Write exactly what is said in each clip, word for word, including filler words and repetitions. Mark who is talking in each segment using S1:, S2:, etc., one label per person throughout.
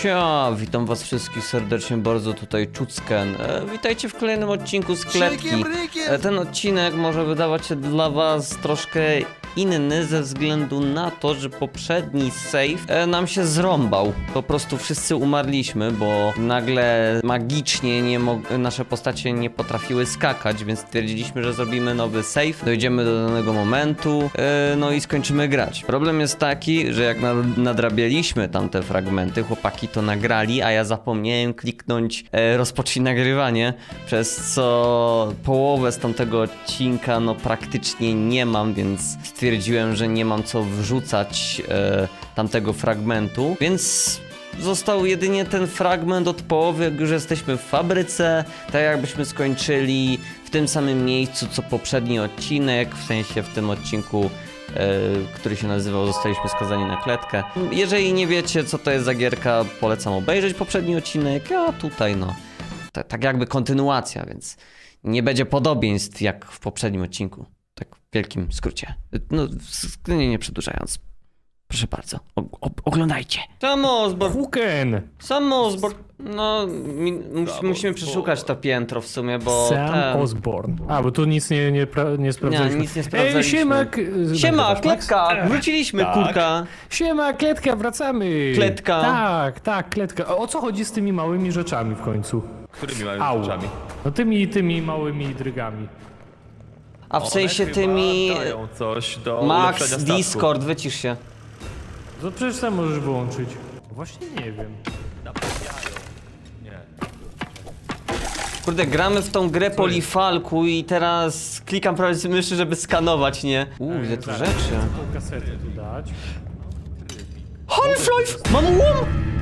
S1: Cia, witam was wszystkich serdecznie bardzo, tutaj Czucken. E, witajcie w kolejnym odcinku z Kletki. E, ten odcinek może wydawać się dla was troszkę inny ze względu na to, że poprzedni save e, nam się zrąbał. Po prostu wszyscy umarliśmy, bo nagle magicznie nie nasze postacie nie potrafiły skakać, więc stwierdziliśmy, że zrobimy nowy save, dojdziemy do danego momentu, e, no i skończymy grać. Problem jest taki, że jak nad nadrabialiśmy tamte fragmenty, chłopaki to nagrali, a ja zapomniałem kliknąć e, rozpocznij nagrywanie, przez co połowę z tamtego odcinka no praktycznie nie mam, więc stwierdziłem, że nie mam co wrzucać e, tamtego fragmentu, więc został jedynie ten fragment od połowy, jak już jesteśmy w fabryce, tak jakbyśmy skończyli w tym samym miejscu co poprzedni odcinek, w sensie w tym odcinku, który się nazywał Zostaliśmy skazani na kletkę. Jeżeli nie wiecie, co to jest za gierka, polecam obejrzeć poprzedni odcinek, a tutaj no, tak jakby kontynuacja, więc nie będzie podobieństw jak w poprzednim odcinku. Tak w wielkim skrócie. No, nie, nie przedłużając. Proszę bardzo, o, o, oglądajcie. Sam Osborn.
S2: Huken!
S1: Sam Osborn. No, mi, mus, musimy przeszukać to piętro w sumie, bo
S2: Sam
S1: ten...
S2: Osborn. A, bo tu nic nie, nie, pra, nie sprawdzaliśmy.
S1: Nie, nic nie sprawdzaliśmy.
S2: Ej, siema! k-
S1: Siema,
S2: nagrywasz, Max?
S1: kletka! Wróciliśmy,
S2: Tak.
S1: kurka!
S2: Siema, kletka, wracamy!
S1: Kletka.
S2: Tak, tak, kletka. O, o co chodzi z tymi małymi rzeczami w końcu?
S3: Którymi małymi
S2: Au.
S3: rzeczami?
S2: No tymi, tymi małymi drygami.
S1: A w sensie
S3: One
S1: tymi...
S3: chyba dają coś do
S1: Max,
S3: ulepszenia statku.
S1: Discord, wycisz się.
S2: To przecież sam możesz wyłączyć. Właśnie nie wiem.
S3: Nie.
S1: Kurde, gramy w tą grę po Lifalku i teraz klikam prawie z myszy, żeby skanować, nie? Uuu, ile tu
S2: Zaraz,
S1: rzeczy.
S2: Tą kasetę tu dać.
S1: Half-Life! Mam łom!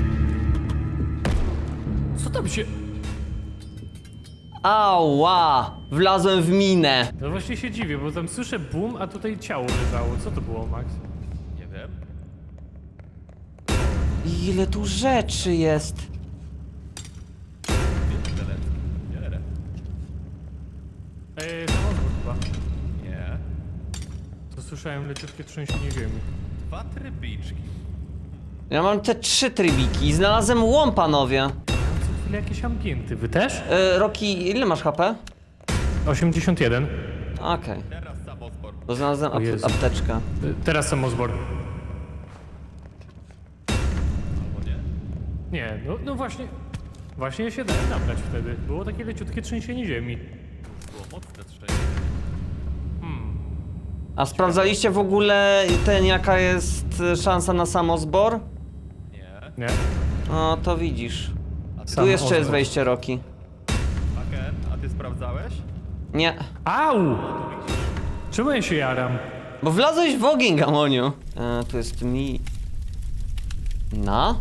S2: Co tam się...
S1: Ała! Wlazłem w minę.
S2: No właśnie się dziwię, bo tam słyszę boom, a tutaj ciało leżało. Co to było, Max?
S3: Nie wiem.
S1: Ile tu rzeczy jest.
S3: Nie.
S2: Eee, samochód chyba.
S3: Nie.
S2: To słyszałem leciutkie trzęsienie ziemi.
S3: Dwa trybiczki.
S1: Ja mam te trzy trybiki i znalazłem łom, panowie.
S2: Co chwilę jakieś ambienty. Wy też?
S1: E, Roki, ile masz H P?
S2: osiemdziesiąt jeden.
S1: Okej,
S3: Teraz samosport.
S1: bo znalazłem
S2: O
S1: ap
S2: Jezu.
S1: apteczkę.
S2: Y, Teraz sam Osborn.
S3: Albo nie.
S2: Nie, no, no właśnie. Właśnie się dałem nabrać wtedy. Było takie leciutkie trzęsienie ziemi.
S3: Było mocne trzęsienie.
S1: A sprawdzaliście w ogóle ten, jaka jest szansa na samozbor?
S3: Nie.
S2: Nie?
S1: No to widzisz. Tu
S2: Sam
S1: jeszcze jest
S2: Osborn.
S1: wejście, Roki.
S3: Haken, a ty sprawdzałeś?
S1: Nie.
S2: Au! Czemu ja się jaram?
S1: Bo wlazłeś w ogień, Gamoniu. E, tu jest mi... Na?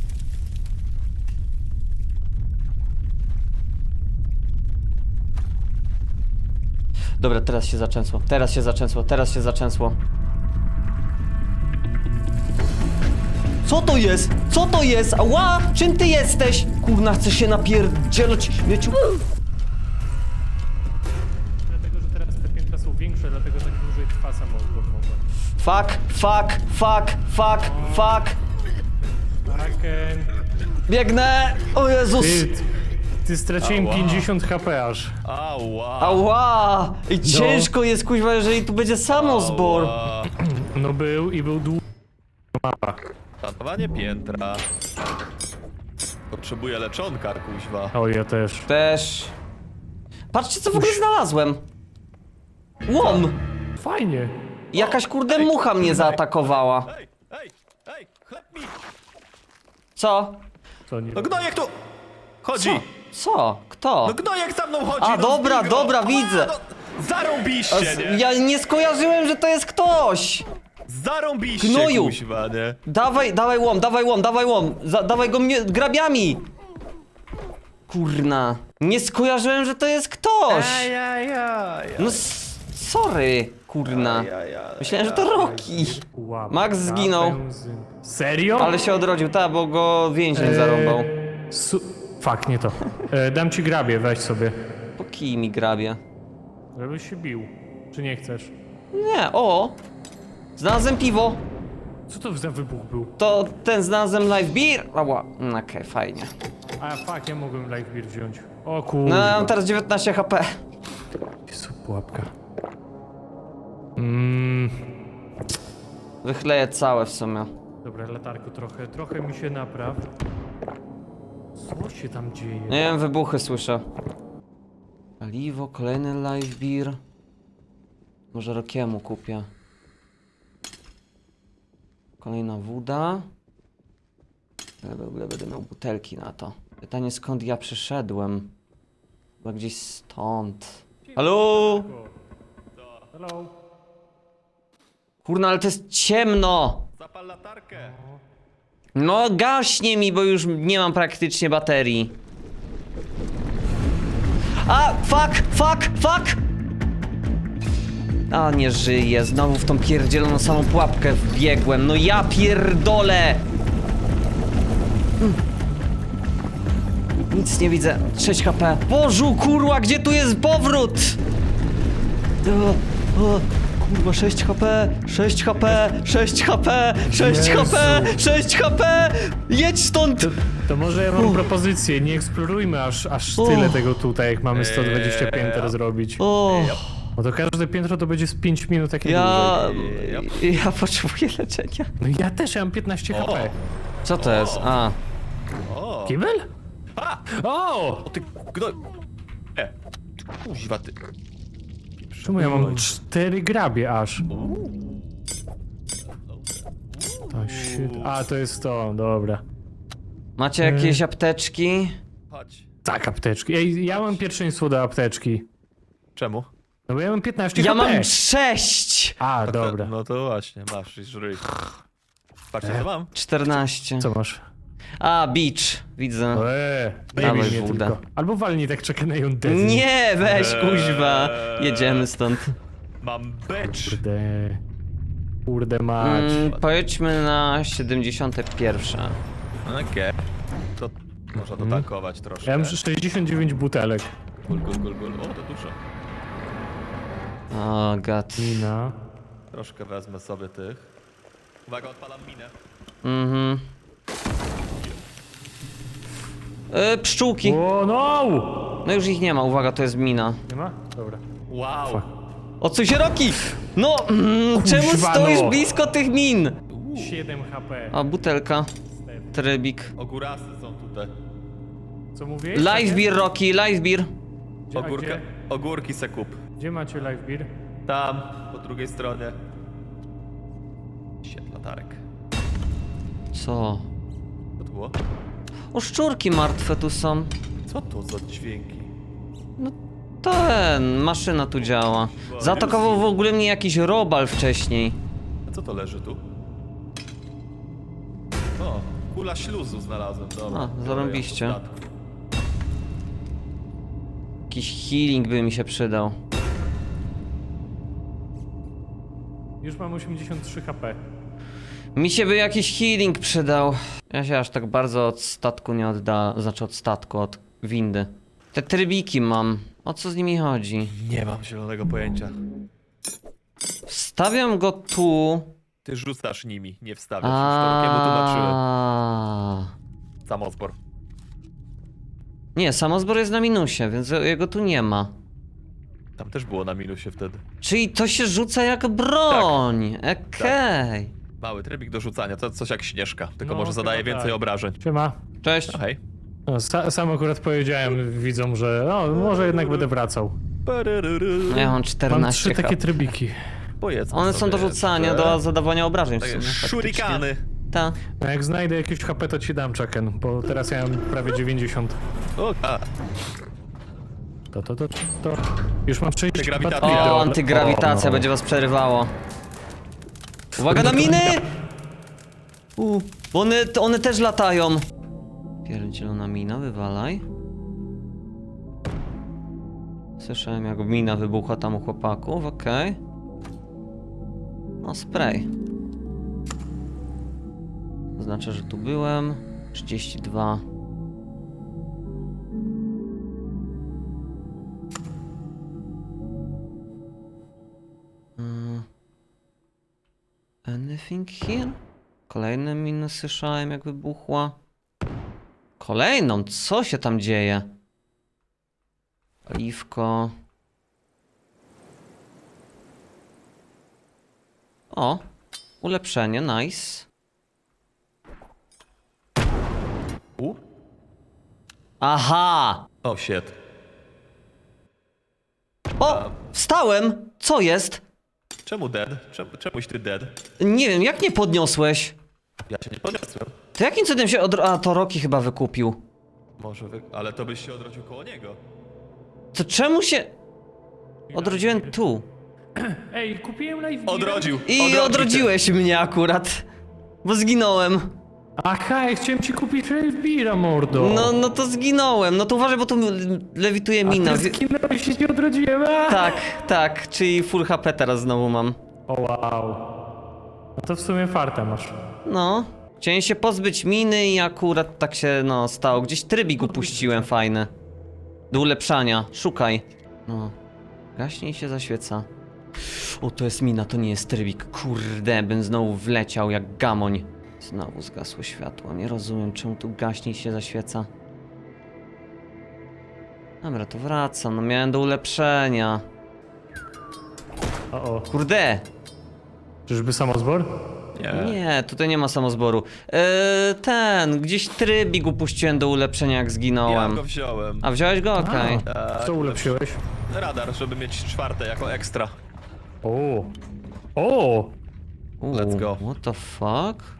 S1: Dobra, teraz się zaczęsło. Teraz się zaczęsło. Teraz się zaczęsło. Co to jest? Co to jest? Ała! Czym ty jesteś? Kurna, chcę się napierdzielać. Mieciu.
S2: Dlatego, że teraz te piętra są większe, dlatego tak dłużej trwa sam Osborn może.
S1: Fuck, fuck, fuck, fuck, fuck.
S2: Haken.
S1: Biegnę! O Jezus!
S2: Ty, ty straciłem
S3: Ała.
S2: pięćdziesiąt H P aż.
S3: Ała.
S1: Ała! I ciężko jest, kuźwa, jeżeli tu będzie samozbor.
S3: Ała.
S2: No był i był długi. Mapa.
S3: Szanowanie piętra. Potrzebuję leczonka, kuźwa.
S2: O, ja też.
S1: Też. Patrzcie, co w ogóle znalazłem. Łom!
S2: Fajnie.
S1: Jakaś kurde mucha mnie zaatakowała.
S3: Ej, ej, ej, chleb mi!
S1: Co?
S2: Co nie
S3: No gnojek tu! Chodzi!
S1: Co? Co? Kto?
S3: No gnojek za mną chodzi!
S1: A,
S3: no
S1: dobra,
S3: zbij go.
S1: dobra,
S3: Ała,
S1: widzę.
S3: No, zarąbiście,
S1: S-
S3: nie?
S1: Ja nie skojarzyłem, że to jest ktoś!
S3: Zarąbiście,
S1: Gnoju.
S3: kuźwa, nie?
S1: Dawaj, dawaj łom, dawaj łom, dawaj łom! Za, dawaj go mnie grabiami! Kurna. Nie skojarzyłem, że to jest ktoś!
S3: Ajajaj.
S1: No s- sorry, kurna. Myślałem, że to Roki.
S2: Łapka
S1: Max zginął.
S2: benzyn. Serio?
S1: Ale się odrodził, tak, bo go więzień zarąbał.
S2: Eee, Su... Fuck, nie to. E, dam ci grabie, weź sobie.
S1: Po kij mi grabie.
S2: Żebyś się bił. Czy nie chcesz?
S1: Nie, o! Znalazłem piwo.
S2: Co to za wybuch był?
S1: To ten znalazłem live beer. Ała, no okej, fajnie.
S2: A fuck, ja mogłem live beer wziąć. O
S1: No ja
S2: kurwa.
S1: mam teraz dziewiętnaście H P.
S2: Jezu, pułapka. Mmm.
S1: Wychleję całe w sumie.
S2: Dobra, latarku trochę, trochę mi się napraw. Co się tam dzieje?
S1: Nie wiem, wybuchy słyszę. Paliwo, kolejny live beer. Może Rokiemu kupię. Kolejna woda. Ja w ogóle będę miał butelki na to. Pytanie, skąd ja przyszedłem? Chyba gdzieś stąd. Halo?
S2: Hello.
S1: Kurna, ale to jest ciemno!
S3: Zapal latarkę.
S1: No gaśnie mi, bo już nie mam praktycznie baterii. A, fuck, fuck, fuck! A, nie żyję, znowu w tą pierdzieloną samą pułapkę wbiegłem, no ja pierdolę! Mm. Nic nie widzę, sześć H P. Bożu, kurwa, gdzie tu jest powrót? O, o, kurwa, sześć H P, sześć H P, sześć H P, sześć H P,
S2: Jezu.
S1: sześć H P! Jedź stąd!
S2: To może ja mam
S1: Uff.
S2: propozycję, nie eksplorujmy aż, aż
S1: Uff.
S2: tyle tego tutaj, jak mamy sto dwadzieścia
S3: Eee,
S2: pięter
S3: ja.
S2: zrobić.
S1: O,
S2: No to każde piętro to będzie z pięć minut takie
S1: ja...
S2: dłużej.
S1: ja potrzebuję leczenia.
S2: No ja też, ja mam piętnaście H P.
S1: Co to jest? A,
S3: O!
S2: Kibel?
S3: A!
S2: O!
S3: O ty gno... E! Kuźwa ty.
S2: Czemu ja mam cztery grabie aż? To shit. A, to jest to, dobra.
S1: macie jakieś apteczki?
S3: Chodź.
S2: Tak, apteczki. Ej, ja mam pierwszeństwo do apteczki.
S3: Czemu?
S2: No bo ja mam piętnaście
S1: Ja
S2: H P.
S1: mam sześć!
S2: A, dobra.
S3: No to właśnie, masz i żryj. Patrzcie co mam.
S1: czternaście.
S2: Co masz?
S1: A, beach, widzę.
S2: Eee,
S1: Dawaj
S2: nie mnie
S1: wódę.
S2: tylko. Albo walnij tak czekają dezy.
S1: Nie, weź
S3: Eee.
S1: kuźwa. Jedziemy stąd.
S3: Mam becz.
S2: Kurde. Kurde mać.
S1: Mm, pojedźmy na siedemdziesiąte pierwsze.
S3: Okej. To można dotankować troszkę.
S2: Ja mam sześćdziesiąt dziewięć butelek.
S3: Gul, gul, gul, gul. O, to dużo.
S1: O, god.
S2: Mina.
S3: Troszkę wezmę sobie tych. Uwaga, odpalam minę.
S1: Mhm. Y, pszczółki.
S2: O no!
S1: No już ich nie ma, uwaga, to jest mina.
S2: Nie ma? Dobra.
S3: Wow.
S1: O co się roki? No, mm, czemu
S2: Kuźwa,
S1: stoisz
S2: no.
S1: blisko tych min?
S2: siedem H P.
S1: A, butelka. Trybik.
S3: Ogórasy są tutaj.
S2: Co mówisz?
S1: Live beer, Rocky, live beer.
S2: Gdzie, a
S3: Ogórka,
S2: gdzie,
S3: ogórki se kup.
S2: gdzie macie live beer?
S3: Tam, po drugiej stronie. Siedem latarek.
S1: Co?
S3: Co to było?
S1: O, szczurki martwe tu są.
S3: Co to za dźwięki?
S1: Ten, maszyna tu działa. Zaatakował w ogóle mnie jakiś robal wcześniej.
S3: A co to leży tu? O, kula śluzu znalazłem, dobra.
S1: A,
S3: Biorę
S1: zarąbiście.
S3: ją do statku.
S1: Jakiś healing by mi się przydał.
S2: Już mam osiemdziesiąt trzy H P.
S1: Mi się by jakiś healing przydał. Ja się aż tak bardzo od statku nie odda... Znaczy od statku, od windy. Te trybiki mam. O co z nimi chodzi?
S3: Nie mam zielonego pojęcia.
S1: Wstawiam go tu.
S3: Ty rzucasz nimi, nie wstawiasz. Już to Rokiemu tłumaczyłem.
S1: A.
S3: Samozbor.
S1: Nie, samozbor jest na minusie, więc jego tu nie ma.
S3: Tam też było na minusie wtedy.
S1: Czyli to się rzuca jak broń. Okej.
S3: Mały trybik do rzucania, to coś jak Śnieżka, tylko
S2: No,
S3: może zadaje
S2: chyba
S3: więcej
S2: tak.
S3: obrażeń.
S2: Siema.
S1: Cześć.
S3: No hej.
S2: No, sa, sam akurat powiedziałem widzom, że no, może jednak będę wracał.
S1: No ja mam
S2: Mam
S1: czternaście
S2: trzy takie
S1: H P.
S2: trybiki.
S3: Powiedzmy
S1: One są
S3: sobie
S1: do rzucania,
S3: jeszcze.
S1: do zadawania obrażeń w
S3: Takie
S1: sumie. faktycznie.
S3: Shurikany.
S1: Ta.
S2: No jak znajdę jakieś H P, to ci dam czeken, bo teraz ja mam prawie dziewięćdziesiąt.
S3: O, a,
S2: To, to, to, to. Już mam sześć
S3: Antygrawitacja.
S2: baterii do-
S1: O, antygrawitacja
S2: O, no.
S1: będzie was przerywało. Uwaga na miny! U, bo one, to one też latają. Pierdzielona mina, wywalaj. Słyszałem jak mina wybuchła tam u chłopaków, okej. No spray. Znaczy, że tu byłem. trzydzieści dwa. Mm. Anything here? kolejne miny słyszałem, jak wybuchła. Kolejną? Co się tam dzieje? Paliwko. O, ulepszenie, nice.
S3: U?
S1: Aha!
S3: O, shit.
S1: O, wstałem! Co jest?
S3: Czemu dead? Czemu, czemuś ty dead?
S1: Nie wiem, jak nie podniosłeś?
S3: Ja cię nie podniosłem.
S1: To jakim cudem się odro... A, to Rocky chyba wykupił.
S3: Może wy... Ale to byś się odrodził koło niego.
S1: To czemu się... Odrodziłem tu.
S2: Ej, kupiłem live beera.
S3: Odrodził!
S1: I
S3: odrodził
S1: odrodziłeś mnie akurat. Bo zginąłem.
S2: Aha, ja chciałem ci kupić live beera, mordo.
S1: No, no to zginąłem. No to uważaj, bo tu lewituje mina.
S2: A ty
S1: Wi-
S2: zginąłeś i się odrodziłem. A!
S1: Tak, tak, czyli full H P teraz znowu mam.
S2: O wow. No to w sumie farta masz.
S1: No. Chciałem się pozbyć miny i akurat tak się, no, stało. Gdzieś trybik upuściłem fajny. Do ulepszania. Szukaj. No. Gaśnie i się zaświeca. O, to jest mina, to nie jest trybik. Kurde, bym znowu wleciał jak gamoń. Znowu zgasło światło. Nie rozumiem, czemu tu gaśnie i się zaświeca. Dobra, to wracam. No miałem do ulepszenia.
S2: O, o.
S1: Kurde!
S2: Czyżby samozbor?
S3: Nie.
S1: Nie, tutaj nie ma samozboru. Eee, ten, gdzieś trybik upuściłem do ulepszenia, jak
S3: Ja
S1: zginąłem.
S3: go wziąłem.
S1: A wziąłeś go? Okej.
S3: Tak,
S2: Co ulepszyłeś?
S3: Radar, żeby mieć czwarte jako ekstra.
S2: O. O.
S1: Okay.
S3: Let's go.
S1: What the fuck?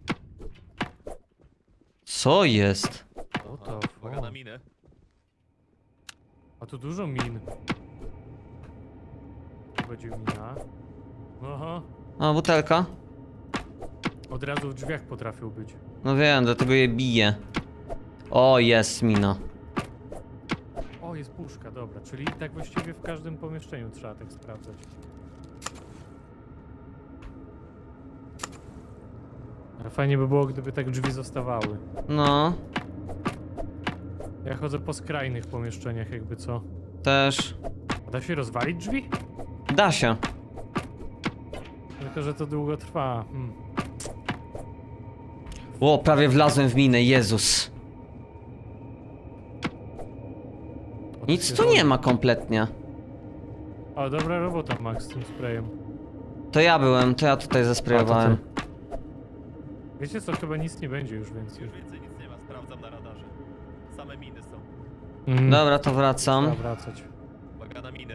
S1: Co jest?
S2: O to.
S3: Uwaga na minę.
S2: A tu dużo min. Tu będzie mina. Aha.
S1: A, butelka?
S2: Od razu w drzwiach potrafił być.
S1: No wiem, dlatego je biję. O, jest mina.
S2: O, jest puszka, dobra. Czyli tak właściwie w każdym pomieszczeniu trzeba tak sprawdzać. Ale fajnie by było, gdyby tak drzwi zostawały.
S1: No,
S2: Ja chodzę po skrajnych pomieszczeniach, jakby co.
S1: też.
S2: A da się rozwalić drzwi?
S1: Da się.
S2: Tylko, że to długo trwa. Hmm.
S1: O, prawie wlazłem w minę, Jezus.
S2: O, to
S1: Nic
S2: się
S1: tu
S2: robi.
S1: nie ma kompletnie.
S2: O, dobra robota, Max, z tym sprayem.
S1: To ja byłem, to ja tutaj zasprayowałem.
S2: A, to Wiecie co, chyba nic nie będzie już więcej.
S3: Już więcej nic nie ma, sprawdzam na radarze. Same miny są.
S2: Mm.
S1: Dobra, to wracam.
S2: Trzeba wracać.
S3: Uwaga na miny.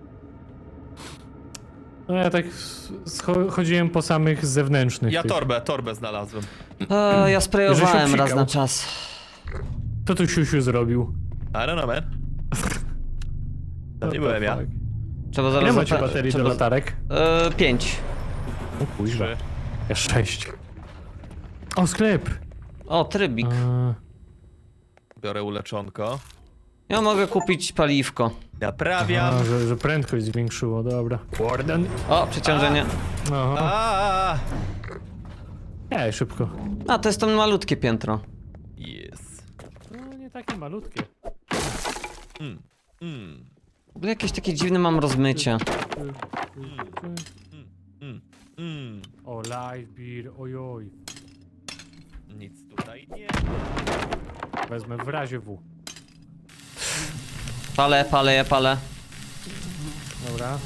S2: No ja tak s- scho- chodziłem po samych zewnętrznych
S3: Ja
S2: tych.
S3: torbę, torbę znalazłem.
S1: E, ja sprayowałem
S2: Że się
S1: raz
S2: psikał.
S1: na czas.
S2: Co tu siusiu zrobił?
S3: I don't know, man. To nie byłem ja.
S2: fuck?
S1: Trzeba zaraz...
S2: Ile macie
S1: zata-
S2: baterii
S1: trzeba
S2: do
S1: z-
S2: latarek?
S1: E, pięć.
S2: O kuźwa.
S3: Trzy.
S2: Ja sześć. O, sklep!
S1: O, trybik.
S2: A,
S3: Biorę uleczonko.
S1: Ja mogę kupić paliwko.
S3: Naprawiam.
S2: a, że, że prędkość zwiększyło, dobra. Warden.
S1: O, przeciążenie.
S2: Aha.
S3: A,
S2: Ej, szybko.
S1: A, to jest to malutkie piętro.
S3: Yes.
S2: No, nie takie malutkie.
S3: Mm. Mm.
S1: W ogóle jakieś takie dziwne mam rozmycie.
S3: Mm. Mm.
S2: O, live beer, ojoj.
S3: Nic tutaj nie.
S2: Wezmę w razie W.
S1: Palę, palę, ja palę.
S2: Dobra.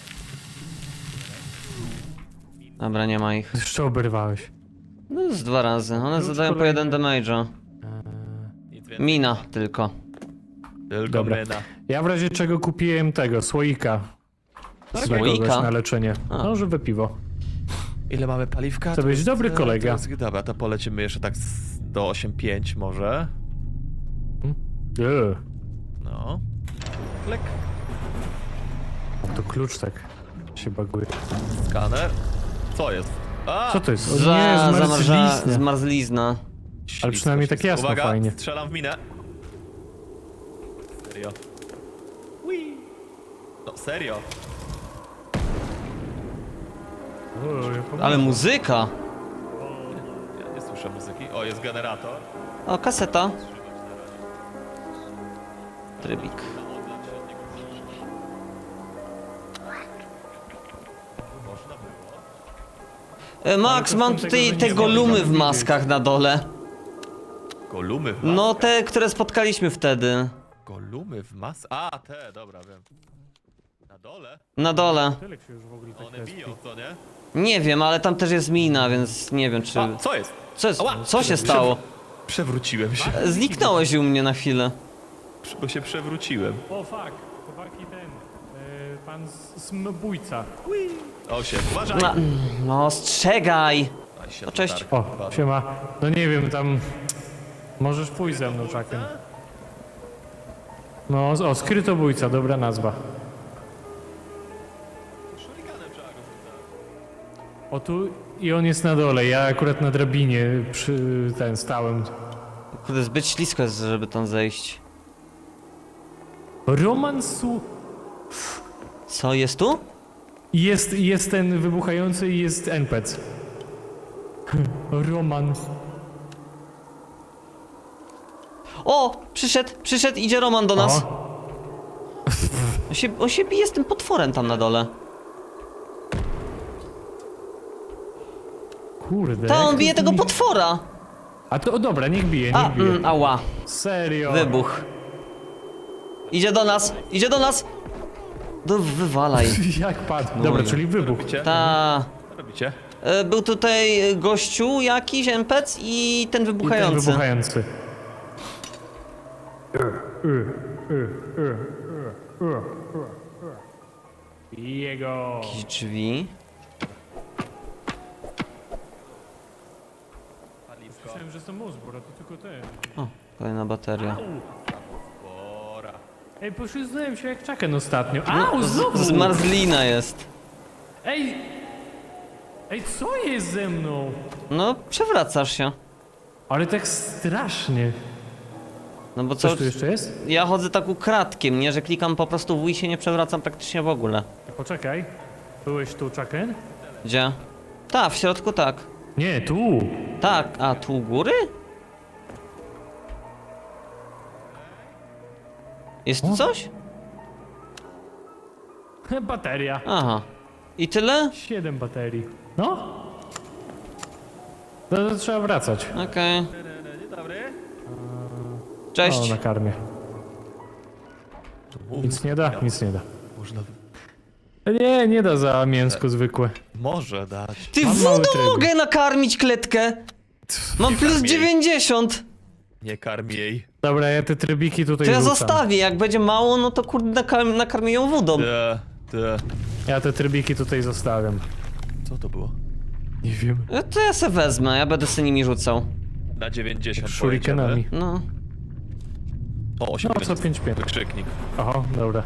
S1: Dobra, nie ma ich.
S2: Jeszcze oberwałeś.
S1: No z dwa razy. One
S2: Już
S1: zadają po
S2: kolejny.
S1: jeden damage'a.
S2: Eee,
S3: Nic więcej.
S1: Mina tylko.
S3: Tylko
S2: Dobra.
S3: myna.
S2: ja w razie czego kupiłem tego, słoika. Z
S1: Słoika?
S2: kogoś na leczenie.
S1: A.
S2: No, żeby piwo.
S3: Ile mamy paliwka?
S2: To byś
S3: jest,
S2: dobry
S3: e,
S2: kolega.
S3: To jest, dobra, to polecimy jeszcze tak z, do osiem pięć może.
S2: Eee,
S3: No. Klek.
S2: to klucz tak się baguje.
S3: Skaner. Co jest? A!
S2: Co to jest? O
S1: Za,
S2: nie,
S1: zamarza,
S2: zmarzlizna.
S1: zmarzlizna.
S3: Ślisko,
S2: Ale przynajmniej tak
S3: ślisko.
S2: jasno,
S3: Uwaga,
S2: fajnie.
S3: strzelam w minę. Serio. Ui. No serio.
S2: Oj,
S1: Ale muzyka!
S3: Ja nie słyszę muzyki. O, jest generator.
S1: O, kaseta. Trybik.
S3: Można było.
S1: E, Max,
S2: to
S1: mam
S2: są
S1: tutaj
S2: tego, że
S1: te
S2: nie
S1: golumy
S2: mogę
S1: w
S2: widzieć.
S1: maskach na dole.
S3: Golumy w
S1: No
S3: maskach.
S1: te, które spotkaliśmy wtedy.
S3: Golumy w mas... A, te, dobra, wiem. Na dole?
S1: Na dole.
S2: Tyle się już w ogóle tak
S3: One
S2: respi.
S3: biją, co nie?
S1: Nie wiem, ale tam też jest mina, więc nie wiem czy...
S3: A, co jest?
S1: Co, jest,
S3: Ała!
S1: co się stało?
S3: Przewróciłem się.
S1: Zniknąłeś u mnie na chwilę.
S3: Bo się przewróciłem.
S2: O fuck, chłopaki ten, e, pan s- smobójca.
S3: Osiem, uważaj!
S1: No, no ostrzegaj!
S3: Aj, się
S1: No, cześć.
S3: latarka
S2: O,
S3: wpadła.
S2: siema. No nie wiem, tam... Możesz pójść ze mną, Chucken. No, o, skrytobójca, dobra nazwa.
S3: Shurikenem trzeba go rzucać.
S2: O tu i on jest na dole, ja akurat na drabinie przy ten stałem.
S1: Kurde, zbyt ślisko jest, żeby tam zejść.
S2: Romansu...
S1: Co, jest tu?
S2: Jest, jest ten wybuchający i jest N P C. Roman.
S1: O! Przyszedł, przyszedł, idzie Roman do nas.
S2: O,
S1: On się, on się bije z tym potworem tam na dole.
S2: kurde.
S1: Ta,
S2: jak
S1: on
S2: to
S1: bije tego
S2: mi-
S1: potwora!
S2: A to o, dobra, niech bije, niech
S1: A,
S2: bije.
S1: mm, ała.
S2: Serio.
S1: Wybuch. Idzie do nas, idzie do nas! Do, wywalaj.
S2: Jak padł. Dobra,
S1: No.
S2: czyli wybuch.
S3: Robicie?
S1: Ta.
S3: Co robicie?
S1: E, Był tutaj gościu jakiś, N P C i ten
S2: I ten
S1: wybuchający.
S2: wybuchający. Jego.
S1: Jakieś drzwi.
S3: Paliwko.
S2: Myślałem, że to Mosbor, a to tylko ten.
S1: O, kolejna bateria.
S3: Bora.
S2: Ej, poślizgnąłem się jak Chucken ostatnio. Au, znowu!
S1: Z Marzlina jest.
S2: Ej! Ej, co jest ze mną?
S1: No, przewracasz się.
S2: Ale tak strasznie.
S1: No bo co?
S2: Coś tu jeszcze jest?
S1: Ja chodzę tak ukradkiem, nie? Że klikam po prostu w i się nie przewracam praktycznie w ogóle.
S2: Poczekaj. Byłeś tu, Chucken?
S1: Gdzie? Ta, w środku tak.
S2: Nie, tu.
S1: Tak, a tu u góry? Jest tu
S2: O.
S1: coś?
S2: Bateria.
S1: Aha. I tyle?
S2: Siedem baterii. No? To, to trzeba wracać.
S1: Okej.
S3: Dzień dobry.
S2: O,
S1: Cześć.
S2: na karmie. Nic nie da? Nic nie da.
S3: Można...
S2: Nie, nie da za mięsko zwykłe.
S3: Może dać.
S1: Ty
S2: Mam mały
S1: wodą
S2: tryb.
S1: mogę nakarmić kletkę! Mam plus
S3: karmi jej.
S1: dziewięćdziesiąt!
S3: Nie karm jej.
S2: Dobra, ja te trybiki tutaj
S1: To ja
S2: rzucam.
S1: zostawię, jak będzie mało, no to kurde nakar- nakarmię ją wodą.
S3: Te, te.
S2: Ja te trybiki tutaj zostawiam.
S3: Co to było?
S2: Nie wiem.
S1: E, To ja se wezmę, ja będę sobie nimi rzucał.
S3: Na dziewięćdziesiąt
S2: Shurikenami.
S1: No.
S3: O,
S2: No,
S3: osiemdziesiąt.
S2: co pięć pięć.
S3: Wykrzyknik.
S2: Oho, dobra.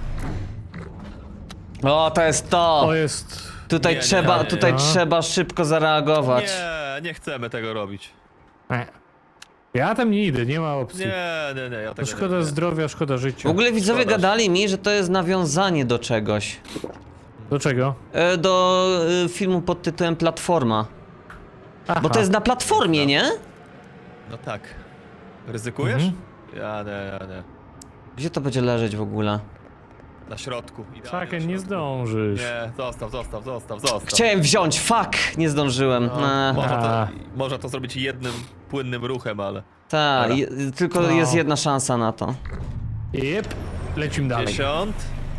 S1: O, to jest to!
S2: O, jest...
S1: Tutaj
S3: Nie, nie,
S1: trzeba,
S3: nie,
S1: tutaj
S2: nie.
S1: trzeba szybko zareagować.
S3: Nie, nie chcemy tego robić.
S2: E. Ja tam nie idę, nie ma opcji.
S3: Nie, nie, nie, ja
S2: To
S3: tego
S2: szkoda
S3: nie, nie.
S2: zdrowia, szkoda
S1: W
S2: życia.
S1: ogóle widzowie
S3: Szkoda.
S1: gadali mi, że to jest nawiązanie do czegoś.
S2: Do czego?
S1: E, Do e, filmu pod tytułem Platforma.
S2: Aha.
S1: Bo to jest na platformie, nie?
S3: No tak. Ryzykujesz?
S2: Mhm.
S3: Ja nie, ja nie.
S1: Gdzie to będzie leżeć w ogóle?
S3: Na środku. idealnie na
S2: Chucken, nie
S3: środku.
S2: zdążysz.
S3: Nie, zostaw, zostaw, zostaw, zostaw.
S1: Chciałem wziąć, fuck! Nie zdążyłem.
S3: No,
S1: No,
S3: można,
S2: A.
S3: to, można to zrobić jednym płynnym ruchem, ale...
S1: tak,
S3: Dobra.
S1: je- tylko
S2: No.
S1: jest jedna szansa na to.
S2: Jep. Lecimy dalej.
S3: Dziesiąt.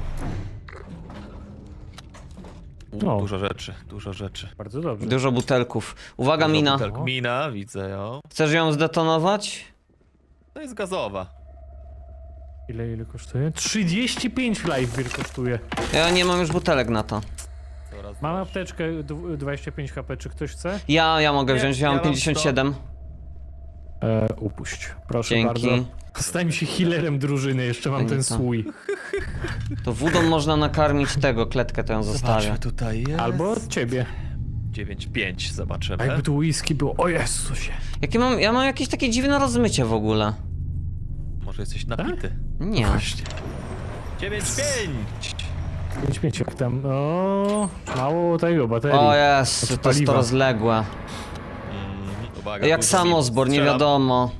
S3: U,
S2: O.
S3: Dużo rzeczy, dużo rzeczy.
S2: Bardzo dobrze.
S1: Dużo butelków. Uwaga,
S3: Dużo
S1: mina.
S3: butelk. Mina, widzę ją.
S1: Chcesz ją zdetonować?
S3: To jest gazowa.
S2: Ile, ile kosztuje? trzydzieści pięć live beer kosztuje.
S1: Ja nie mam już butelek na to.
S3: Coraz
S2: Mam
S3: droższe.
S2: apteczkę dw- dwadzieścia pięć HP, czy ktoś chce?
S1: Ja, ja mogę
S3: Nie,
S1: wziąć, ja
S3: ja
S1: mam
S3: mam
S1: pięćdziesiąt siedem.
S2: E, upuść. Proszę
S1: Dzięki.
S2: bardzo. Stań się healerem drużyny, jeszcze mam
S1: Fajnie
S2: ten
S1: to.
S2: słój.
S1: To wodą można nakarmić tego, kletkę to ją zostawię.
S3: Zobaczmy, tutaj jest.
S2: Albo od ciebie.
S3: dziewięć pięć,
S2: A
S3: zobaczymy.
S2: jakby tu whisky było. O Jezusie.
S1: Jakie mam, ja mam jakieś takie dziwne rozmycie w ogóle.
S3: Może jesteś napity.
S1: Nie.
S2: Właśnie.
S3: dziewięć pięć!
S2: pięć pięć jak tam. O, mało tego, baterii.
S1: O jest,
S2: Znaczy
S1: to jest to
S2: paliwa.
S1: rozległe.
S3: Mm, uwaga,
S1: Jak
S3: tu
S1: samozbor, nie
S3: strzelam.
S1: wiadomo.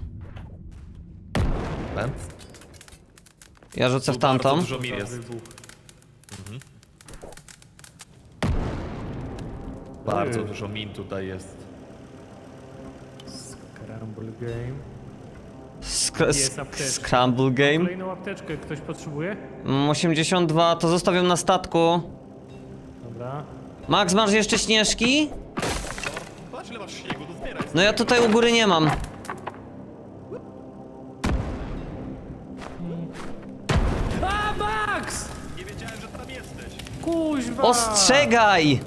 S3: Ten?
S1: Ja rzucę w
S3: Tu bardzo
S1: tamtą.
S3: Dużo mir jest. Bardzo
S2: Ojej.
S3: dużo min tutaj jest.
S2: Scramble game.
S1: Sk
S2: Jest
S1: sk
S2: apteczka.
S1: scramble game.
S2: Kolejną apteczkę ktoś potrzebuje?
S1: Mm, osiemdziesiąt dwa, to zostawiam na statku.
S2: Dobra.
S1: Max, masz jeszcze śnieżki?
S3: Patrz ile masz śniegu, to zbieraj.
S1: No ja tutaj u góry nie mam.
S2: A, Max!
S3: Nie wiedziałem, że tam jesteś.
S2: Kuźwa!
S1: Ostrzegaj!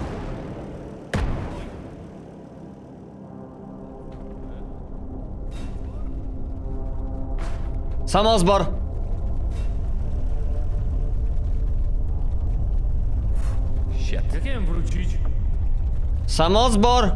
S1: Samozbor!
S3: Shit.
S2: Jak nie wiem wrócić?
S1: Samozbor!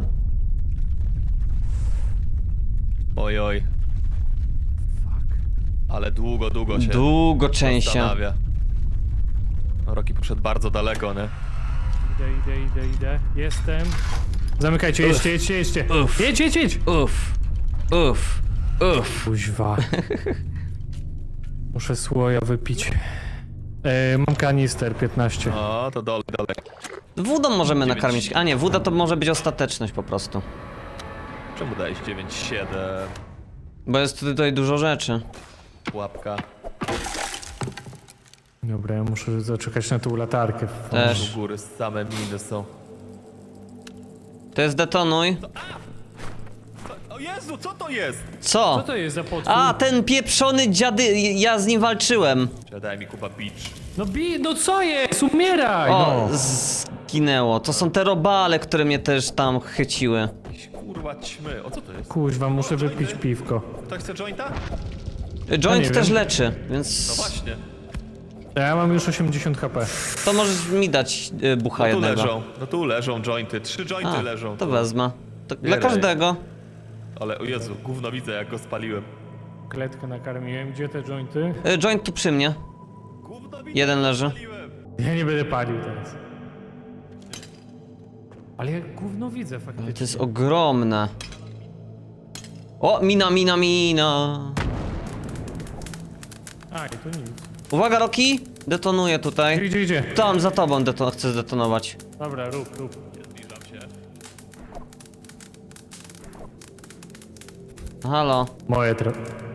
S3: Oj, oj.
S2: Fuck.
S3: Ale długo, długo się
S1: Długo częściej.
S3: zastanawia. No, Rocky poszedł bardzo daleko, nie?
S2: Idę, idę, idę, idę. Jestem. Zamykajcie, jedźcie, jedźcie, jedźcie.
S1: Uf.
S2: Jedź, jedź, jedź!
S1: Uff, uff, uff.
S2: Kuźwa. Muszę słoja wypić. E, mam kanister piętnaście.
S3: O, to dole, dole.
S1: Wodą możemy
S3: Dziewięć.
S1: nakarmić. A nie, woda to może być ostateczność po prostu.
S3: Czemu dałeś dziewięć siedem?
S1: Bo jest tutaj dużo rzeczy.
S3: Pułapka.
S2: Dobra, ja muszę zaczekać na tą latarkę.
S1: Też.
S3: U góry same miny są.
S1: To jest detonuj.
S3: O Jezu, co to jest?
S1: Co?
S2: Co to jest za potwór?
S1: A, ten pieprzony dziady, ja z nim walczyłem.
S3: Czy daj mi Kuba beach.
S2: No bi, no co jest? Umieraj!
S1: O,
S2: No.
S1: zginęło. To są te robale, które mnie też tam chyciły.
S3: Jakieś kurwa ćmy. O co to jest?
S2: Kuźwa, muszę wypić piwko.
S3: Ktoś chce jointa?
S1: Joint
S2: nie
S1: też
S2: wiem.
S1: leczy,
S3: No
S1: więc
S3: właśnie.
S2: Ja mam już osiemdziesiąt HP.
S1: to możesz mi dać y, bucha
S3: No tu
S1: jednego.
S3: leżą. No tu leżą jointy. Trzy jointy
S1: A,
S3: leżą.
S1: to
S3: tu.
S1: wezmę. To dla
S3: Bieraj.
S1: każdego.
S3: Ale o Jezu, gówno widzę jak go spaliłem.
S2: Kletkę nakarmiłem. Gdzie te jointy?
S1: Y, Joint tu przy mnie.
S3: Gówno widzę
S1: Jeden
S3: jak go
S1: leży.
S3: spaliłem.
S2: Ja nie będę palił teraz. Ale jak gówno widzę faktycznie.
S1: To jest ogromne. O, mina, mina, mina.
S2: A, i to nic.
S1: Uwaga, Rocky! Detonuję tutaj.
S2: Gdzie, gdzie, gdzie?
S1: Tam, za tobą deton chcę zdetonować.
S2: Dobra, rób, rób.
S3: Zbliżam się.
S1: Halo.
S2: Moje tra...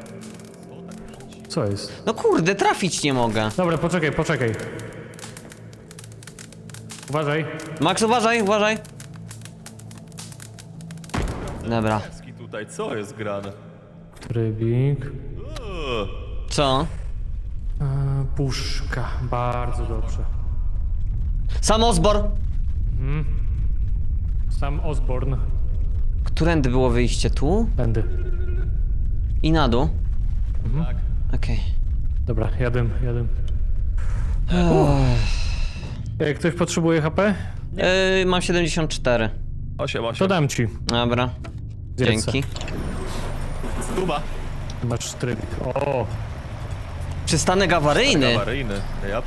S2: Co jest?
S1: No kurde, trafić nie mogę.
S2: Dobra, poczekaj, poczekaj. Uważaj.
S1: Max, uważaj, uważaj. Dobra.
S3: Ski tutaj, co jest grane?
S2: Trybik.
S3: Uuu.
S1: Co?
S2: Eee, puszka. Bardzo dobrze.
S1: Samozbor!
S2: Sam Osborne.
S1: Którędy było wyjście? Tu?
S2: Będę.
S1: I na dół?
S3: Tak.
S1: Okej.
S2: Dobra, jadę, jadę. Jak ktoś potrzebuje H P?
S1: Yy, mam siedemdziesiąt cztery.
S3: osiem,
S2: To
S3: osiem.
S2: dam ci.
S1: Dobra.
S2: Zjedz se.
S1: Dzięki.
S3: Stuba.
S2: Masz trybik. O,
S1: Przystanek awaryjny.
S3: Awaryjny. Yep.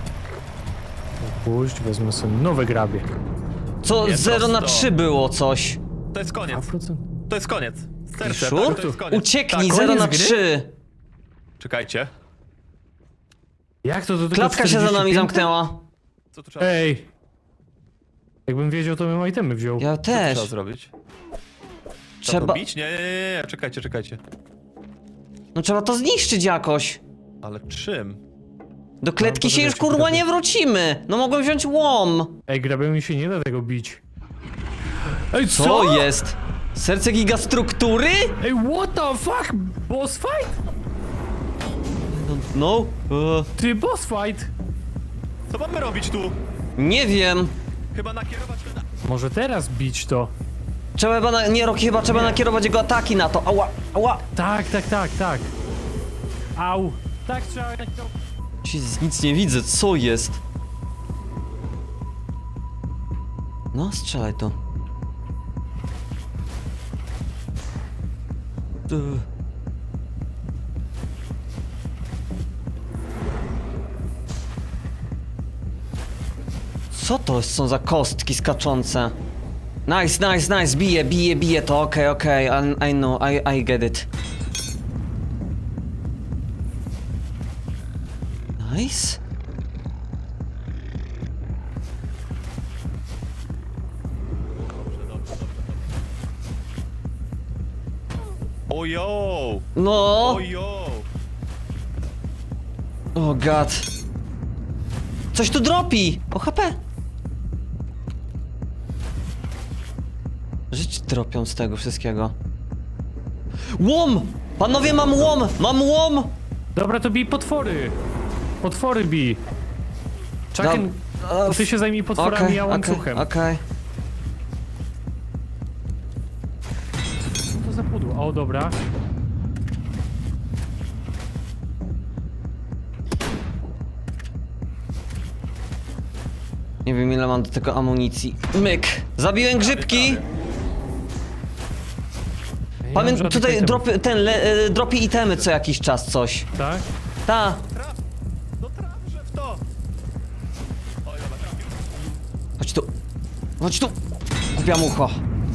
S2: puść, wezmę sobie nowe grabie.
S1: Co?
S3: Nie,
S1: zero na
S3: prosto.
S1: trzy było coś.
S3: To jest koniec.
S2: dwa procent.
S3: To jest koniec. Serce,
S1: Piszu?
S3: tak, to jest koniec.
S1: Ucieknij,
S3: Tak,
S1: zero
S2: koniec
S1: na
S2: gry?
S1: trzy.
S3: Czekajcie.
S2: Jak to do tego
S1: Klatka się za nami
S2: czterdzieści pięć?
S1: zamknęła.
S3: Co tu trzeba,
S2: Ej! Jakbym wiedział, to bym itemy wziął.
S1: Ja
S3: co tu trzeba
S1: też.
S3: zrobić? Trzeba
S1: Trzeba...
S3: to bić? Nie, nie, nie, nie, czekajcie, czekajcie.
S1: No trzeba to zniszczyć jakoś.
S3: Ale czym?
S1: Do kletki
S2: No,
S1: się już
S2: poczekajcie,
S1: kurwa nie
S2: poczekajcie.
S1: wrócimy. No mogłem wziąć łom.
S2: Ej, grabem się nie da tego bić. Ej, co?
S1: Co jest? Serce gigastruktury?
S2: Ej, what the fuck? Boss fight?
S1: No. e,
S2: Ty, boss fight?
S3: Co mamy robić tu?
S1: nie wiem.
S3: Chyba nakierować na...
S2: Może teraz bić to?
S1: Trzeba chyba na... Nie, Rocky, chyba trzeba nakierować jego ataki na to. Ała, ała.
S2: Tak, tak, tak, tak. Au. Tak trzeba...
S1: Jezus, nic nie widzę, co jest? No, strzelaj to. Tu. Co to są za kostki skaczące? Nice, nice, nice, bije, bije, bije to, okej, okej, I, I know, I, I get it. Nice.
S3: Ojo!
S1: No!
S3: Ojo!
S1: O god. Coś tu dropi! O H P! Żyć dropią z tego wszystkiego. Łom! Panowie, mam łom! Mam łom!
S2: Dobra, to bij potwory. Potwory bij. Chucken, to ty się zajmij potworami,
S1: Okej,
S2: ja
S1: okej,
S2: łańcuchem.
S1: okej.
S2: Co to za pudło? O, dobra.
S1: Nie wiem ile mam do tego amunicji. Myk! Zabiłem grzybki!
S2: Ja nie mam
S1: Pamiętam,
S2: żadnych
S1: tutaj
S2: itemów.
S1: dropy, ten, le, e, dropi itemy co jakiś czas coś.
S2: Tak?
S1: Ta!
S3: Traf! No trafże w to! Oj, dobra, trafił.
S1: Chodź tu! Chodź tu! Głupia mucho!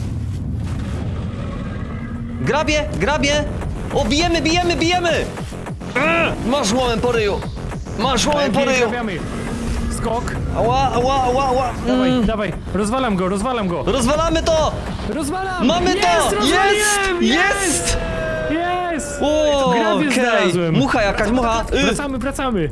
S1: Grabie! Grabie! O, bijemy, bijemy, bijemy! Eee, masz łomem po ryju! Masz łomem po
S2: Lepiej
S1: ryju!
S2: trafiamy. Skok.
S1: Ała, ała, ała, ała!
S2: Dawaj,
S1: Mm.
S2: dawaj. Rozwalam go, rozwalam go.
S1: Rozwalamy to!
S2: Rozwalam!
S1: Mamy
S2: jest,
S1: to!
S2: rozwaliłem!
S1: Jest!
S2: Jest!
S1: Jest!
S2: Jest!
S1: O,
S2: Grabie
S1: okej!
S2: znalazłem.
S1: Mucha jakaś, mucha! Y,
S2: Wracamy, wracamy.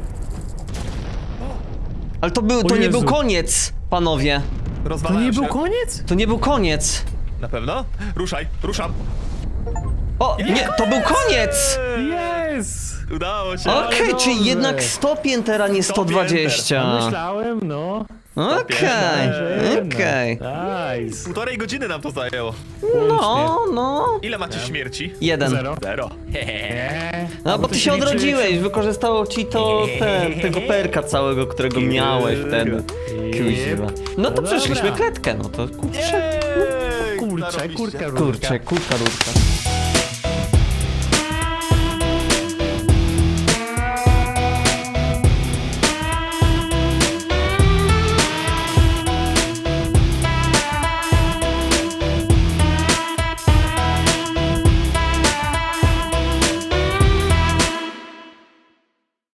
S1: ale to był, to
S2: O
S1: nie był
S2: Jezu.
S1: koniec, panowie.
S2: To
S3: Rozwalają
S2: nie
S3: się.
S2: był koniec?
S1: To nie był koniec.
S3: Na pewno? Ruszaj, ruszam.
S1: O, nie, to był koniec!
S2: Jest!
S3: Udało się.
S1: Okej,
S2: Ale
S1: czyli
S2: dobrze.
S1: jednak sto piętera, nie sto dwadzieścia.
S2: Myślałem, no.
S1: Okej,
S2: Że
S1: okej.
S2: jednak. Nice.
S3: Półtorej godziny nam to zajęło.
S1: No, no.
S3: Ile macie śmierci?
S1: Jeden.
S2: Zero.
S3: Zero.
S2: Eee,
S1: No bo
S2: to
S1: ty się
S2: liczy-
S1: odrodziłeś, wykorzystało ci to ten, tego perka całego, którego miałeś wtedy. Kuźwa. No to
S2: No
S1: przeszliśmy
S2: dobra.
S1: kletkę, no to kurczę,
S3: Jej!
S2: Kurczę,
S3: Zarobiście.
S2: kurka, rurka.
S1: kurczę, kurka, rurka.